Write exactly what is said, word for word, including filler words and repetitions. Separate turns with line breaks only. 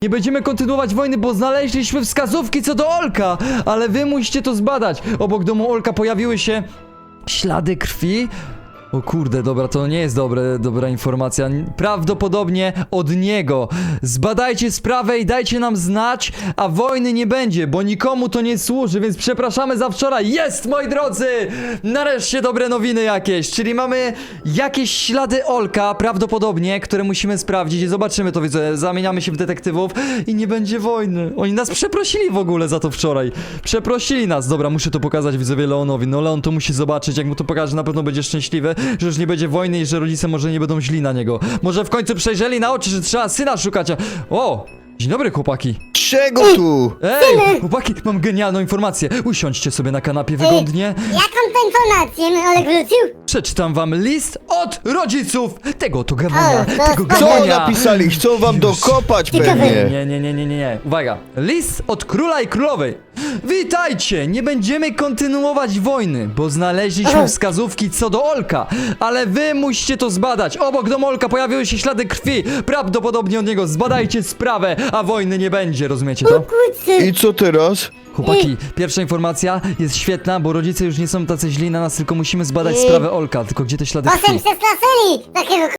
Nie będziemy kontynuować wojny, bo znaleźliśmy wskazówki co do Olka, ale wy musicie to zbadać. Obok domu Olka pojawiły się ślady krwi. O kurde, dobra, to nie jest dobre, dobra informacja. Prawdopodobnie od niego. Zbadajcie sprawę i dajcie nam znać, a wojny nie będzie, bo nikomu to nie służy, więc przepraszamy za wczoraj. Jest, moi drodzy! Nareszcie dobre nowiny jakieś, czyli mamy jakieś ślady Olka, prawdopodobnie, które musimy sprawdzić i zobaczymy to, widzę. Zamieniamy się w detektywów i nie będzie wojny. Oni nas przeprosili w ogóle za to wczoraj. Przeprosili nas. Dobra, muszę to pokazać widzowie Leonowi. No Leon to musi zobaczyć, jak mu to pokaże, na pewno będzie szczęśliwy, że już nie będzie wojny i że rodzice może nie będą źli na niego. Może w końcu przejrzeli na oczy, że trzeba syna szukać. a- O! Dzień dobry, chłopaki.
Czego tu?
Ej, chłopaki, mam genialną informację. Usiądźcie sobie na kanapie wygodnie.
Jaką to informację Olek wrócił?
Przeczytam wam list od rodziców tego to gamonia,
O, to
tego
spoko.
Co
gamonia.
napisali? Chcą wam dokopać
Ciekawe.
pewnie.
Nie, nie, nie, nie, nie, nie. Uwaga. List od króla i królowej. Witajcie! Nie będziemy kontynuować wojny, bo znaleźliśmy wskazówki co do Olka, ale wy musicie to zbadać. Obok domu Olka pojawiły się ślady krwi. Prawdopodobnie od niego. Zbadajcie sprawę, a wojny nie będzie. Rozumiecie to?
Kurczę.
I co teraz?
Chłopaki, pierwsza informacja jest świetna, bo rodzice już nie są tacy źli na nas, tylko musimy zbadać sprawę Olka. Tylko gdzie te ślady
Potem
krwi?
przestraszyli takiego